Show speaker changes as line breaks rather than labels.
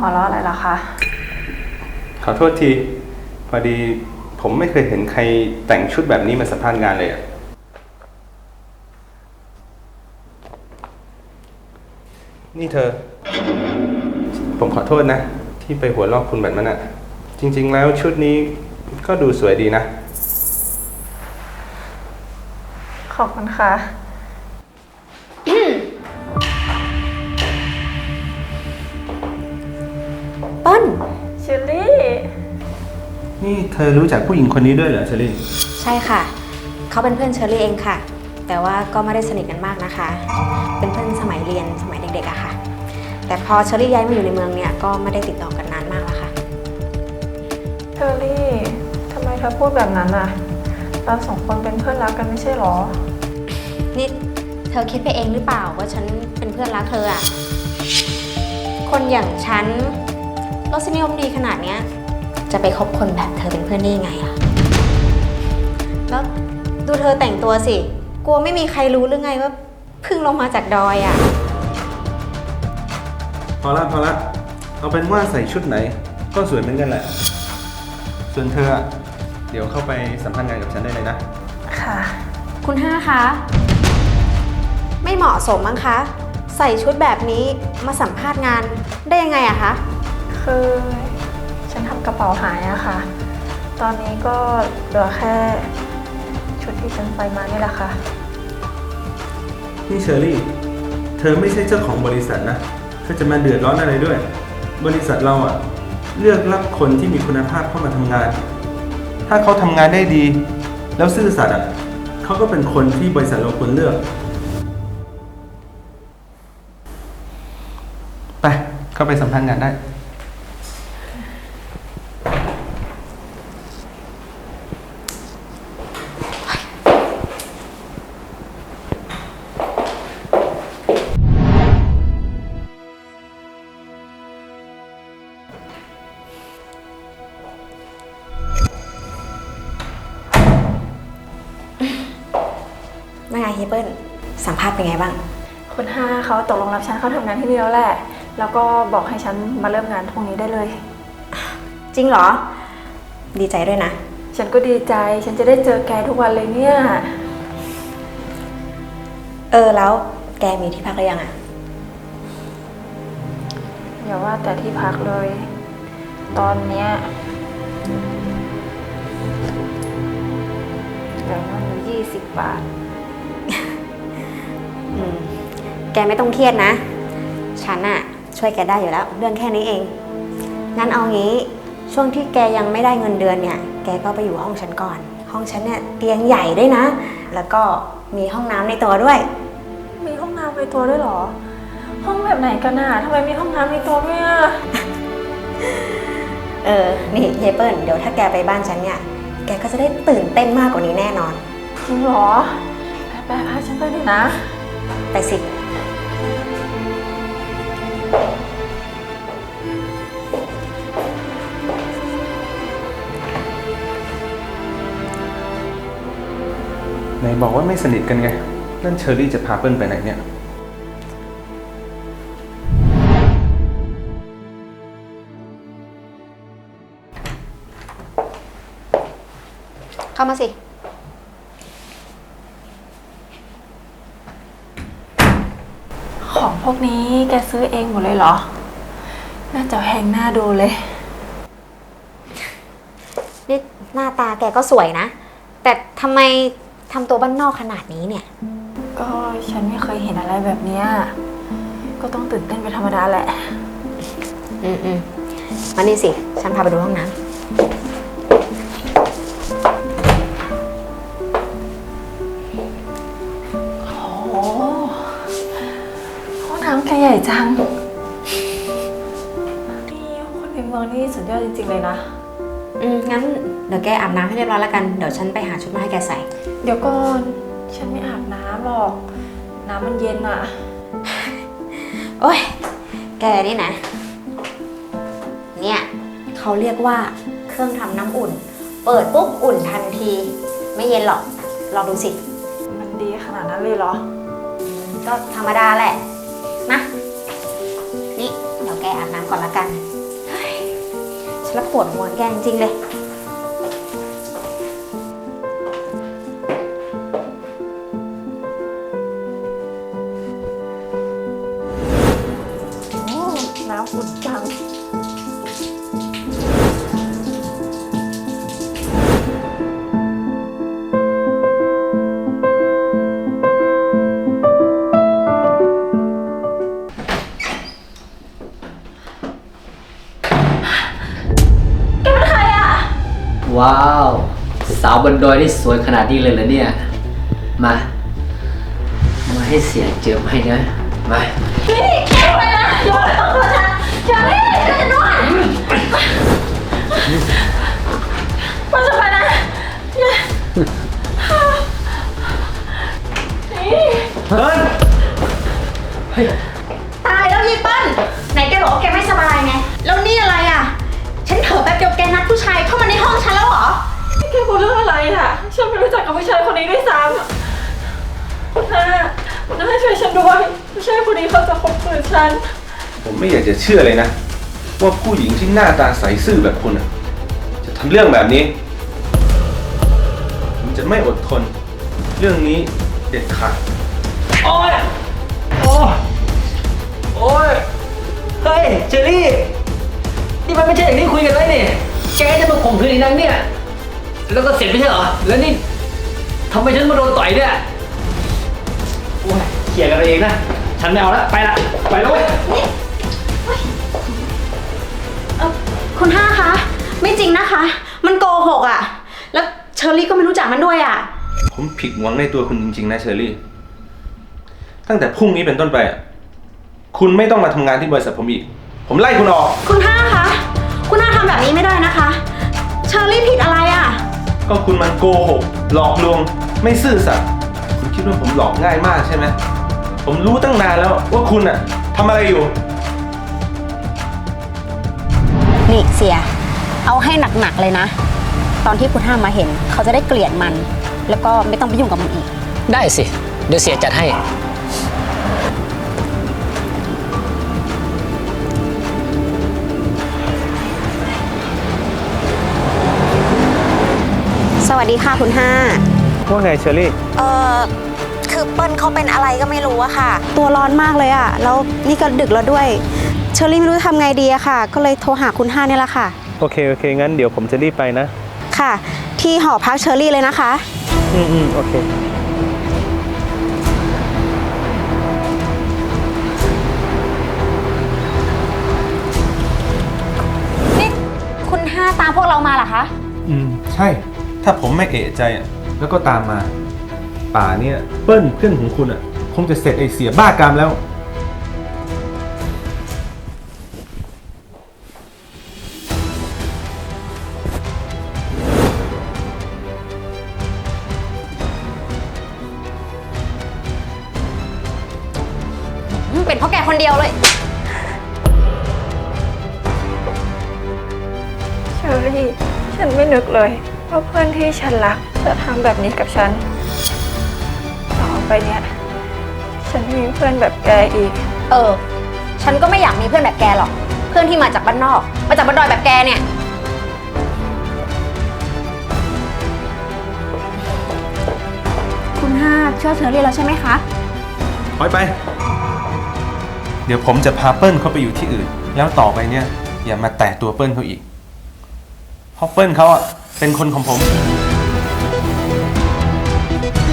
หัวเราะอะไรล่ะคะ
ขอโทษที พอดีผมไม่เคยเห็นใครแต่งชุดแบบนี้มาสัมภาษณ์งานเลยอะนี่เธอ ผมขอโทษนะ ที่ไปหัวลอกคุณแบบนั้นอะจริงๆแล้วชุดนี้ก็ดูสวยดีนะ
ขอบคุณค่ะ
เปิ้ล
เชอรี่
นี่เธอรู้จักผู้หญิงคนนี้ด้วยเหรอเชอรี่
ใช่ค่ะ เขาเป็นเพื่อนเชอรี่เองค่ะ แต่ว่าก็ไม่ได้สนิทกันมากนะคะ เป็นเพื่อนสมัยเรียนสมัยเด็กๆอะค่ะ แต่พอเชอรี่ย้ายมาอยู่ในเมืองเนี่ยก็ไม่ได้ติดต่อกันนานมากแล้วค่ะ
เชอรี่ทำไมเธอพูดแบบนั้นอ่ะเราสองคนเป็นเพื่อนรักกันไม่ใช่หรอ
นี่เธอคิดไปเองหรือเปล่าว่าฉันเป็นเพื่อนรักเธออะคนอย่างฉันรสนิยมดีขนาดเนี้ยจะไปคบคนแบบเธอเป็นเพื่อนได้ยังไงอะแล้วดูเธอแต่งตัวสิกลัวไม่มีใครรู้หรือไงว่าเพิ่งลงมาจากดอยอะ
พอละเอาเป็นว่าใส่ชุดไหน ก็สวยเหมือนกันแหละ ส่วนเธอเดี๋ยวเข้าไปสัมภาษณ์งานกับฉันได้เลยนะ
ค่ะ
คุณห้าคะไม่เหมาะสมมั้งคะใส่ชุดแบบนี้มาสัมภาษณ์งานได้ยังไงอะคะ
คือฉันทำกระเป๋าหายอะค่ะตอนนี้ก็เหลือแค่ชุดที่ฉันใส่มานี่แหละค่ะ
นี่เชอรี่ เธอไม่ใช่เจ้าของบริษัทนะเธอจะมาเดือดร้อนอะไรด้วย บริษัทเราเลือกรับคนที่มีคุณภาพเข้ามาทำงาน ถ้าเขาทำงานได้ดี แล้วซื่อสัตย์เขาก็เป็นคนที่บริษัทเราควรเลือก ไป เข้าไปสัมภาษณ์งานได้
ว่าไงเฮเปิลสัมภาษณ์เป็นไงบ้าง
คุณห้าเขาตกลงรับฉันเข้าทำงานที่นี่แล้วแหละแล้วก็บอกให้ฉันมาเริ่มงานพรุ่งนี้ได้เลย
จริงเหรอดีใจด้วยนะ
ฉันก็ดีใจฉันจะได้เจอแกทุกวันเลยเนี่ย
แล้วแกมีที่พักหรือยังอะ
อย่าว่าแต่ที่พักเลยตอนเนี้ยเหลือเงินอยู่20 บาท
แกไม่ต้องเครียดนะฉันอะช่วยแกได้อยู่แล้วเรื่องแค่นี้เองงั้นเอางี้ช่วงที่แกยังไม่ได้เงินเดือนเนี่ยแกก็ไปอยู่ห้องฉันก่อนห้องฉันเนี่ยเตียงใหญ่ด้วยนะแล้วก็มีห้องน้ำในตัวด้วย
มีห้องน้ำในตัวด้วยเหรอห้องแบบไหนกันน่ะทำไมมีห้องน้ำในตัวด้วยอ่ะ
นี่เฮเปิลเดี๋ยวถ้าแกไปบ้านฉันเนี่ยแกก็จะได้ตื่นเต้นมากกว่านี้แน่นอน
จริงเหรอไปพาฉันไปเลยนะ
ไปสิ
ไหนบอกว่าไม่สนิทกันไง นั่นเชอรี่จะพาเปิ้ลไปไหนเนี่ย
เข้ามาสิ
ของพวกนี้แกซื้อเองหมดเลยเหรอน่าจะแพงหน้าดูเลย
นี่หน้าตาแกก็สวยนะแต่ทำไมทำตัวบ้านนอกขนาดนี้เนี่ย
ก็ฉันไม่เคยเห็นอะไรแบบนี้ก็ต้องตื่นเต้นเป็นธรรมดาแหละ
มานี่สิฉันพาไปดูห้องน้ำ
โอ้ห้องน้ำแกใหญ่จังนี่คนในเมืองนี่สุดยอดจริงๆเลยนะ
งั้นเดี๋ยวแกอาบน้ำให้เรียบร้อยแล้วกันเดี๋ยวฉันไปหาชุดมาให้แกใส่
เดี๋ยวก่อนฉันไม่อาบน้ำหรอกน้ำมันเย็นอะ
โอ๊ยแกนี่นะเนี่ยเขาเรียกว่าเครื่องทำน้ำอุ่นเปิดปุ๊บอุ่นทันทีไม่เย็นหรอกลองดูสิ
มันดีขนาดนั้นเลยเหรอ
ก็ธรรมดาแหละนะนี่เดี๋ยวแกอาบน้ำก่อนละกันแล้วปวดหัวแกจริงๆเลย
โอ้น้ำอุ่นจัง
ว้าว สาวบนดอยนี่สวยขนาดนี้เลยเหรอเนี่ย มาให้เสียเจิมให้นะ มา
ตายแล้วยีเปิ้ลไหนแกบอกว่าแกไม่สบายไง แล้วนี่อะไรอ่ะ ฉันเถอะแป๊บเดียวแกนัดผู้ชายเข้ามาในห้องฉันแล้วเหรอ
แกพูดเรื่องอะไรอ่ะ ฉันไม่รู้จักกับผู้ชายคนนี้ด้วยซ้ำคุณน้าช่วยฉันด้วยผู้ชายคนนี้เขาจะข่มขืนฉัน
ผมไม่อยากจะเชื่อเลยนะ ว่าผู้หญิงที่หน้าตาใสซื่อแบบคุณอะจะทำเรื่องแบบนี้ ผมจะไม่อดทน เรื่องนี้เด็ดขาด
โอ้ย โอ้ย โอ้ย เฮ้ย เจอรี่ นี่มันไม่ใช่อย่างที่คุยกันไว้นี่แกจะมาข่มขืนอีกนังเนี่ย แล้วก็เสร็จไม่ใช่เหรอ แล้วนี่ทำไมฉันมาโดนต่อยเนี่ย โอ้ยเขี่ยร์กันเองนะ ฉันไม่เอาละ ไปละ ไปแล้วเว้ย
คุณห้าคะ ไม่จริงนะคะ มันโกหกอ่ะ แล้วเชอรี่ก็ไม่รู้จักมันด้วยอ่ะ
ผมผิดหวังในตัวคุณจริงๆนะเชอรี่ ตั้งแต่พรุ่งนี้เป็นต้นไปอะคุณไม่ต้องมาทำงานที่บริษัทผมอีก ผมไล่คุณออก
คุณห้าคะ คุณห้าทำแบบนี้ไม่ได้นะคะ เชอรี่ผิดอะไรอ่ะ
ก็คุณมันโกหก หลอกลวง ไม่ซื่อสัตย์ คุณคิดว่าผมหลอกง่ายมากใช่ไหม ผมรู้ตั้งนานแล้วว่าคุณอะทำอะไรอยู่
นี่เสีย เอาให้หนักๆเลยนะ ตอนที่คุณห้ามาเห็น เขาจะได้เกลียดมัน แล้วก็ไม่ต้องไปยุ่งกับมันอีก
ได้สิ เดี๋ยวเสียจัดให้
สวัสดีค่ะคุณห้า
ว่าไงเชอรี่
คือเปิ้ลเขาเป็นอะไรก็ไม่รู้อะค่ะ ตัวร้อนมากเลยอะแล้วนี่ก็ดึกแล้วด้วย เชอรี่ไม่รู้จะทำไงดีอะค่ะ ก็เลยโทรหาคุณห้านี่แหละค่ะ
โอเค งั้นเดี๋ยวผมจะรีบไปนะ
ค่ะ ที่หอพักเชอรี่เลยนะคะ
โอเค
นี่คุณห้าตามพวกเรามาเหรอคะ
ใช่ ถ้าผมไม่เอะใจอะแล้วก็ตามมา ป่าเนี่ยเปิ้ลเพื่อนของคุณอะคงจะเสร็จไอเสียบ้ากามแล้ว
เป็นเพราะแกคนเดียวเลย
เชอรี่ ฉันไม่นึกเลยว่าเพื่อนที่ฉันรักจะทำแบบนี้กับฉัน ต่อไปเนี่ย ฉันไม่มีเพื่อนแบบแกอีก
ฉันก็ไม่อยากมีเพื่อนแบบแกหรอก เพื่อนที่มาจากบ้านนอก มาจากบ้านดอยแบบแกเนี่ย คุณห้าเชื่อเชอรี่แล้วใช่ไหมคะ
ถอยไป เดี๋ยวผมจะพาเปิ้ลเขาไปอยู่ที่อื่น แล้วต่อไปเนี่ย อย่ามาแตะตัวเปิ้ลเขาอีก เพราะเปิ้ลเขาอ่ะเป็นคนของผม
น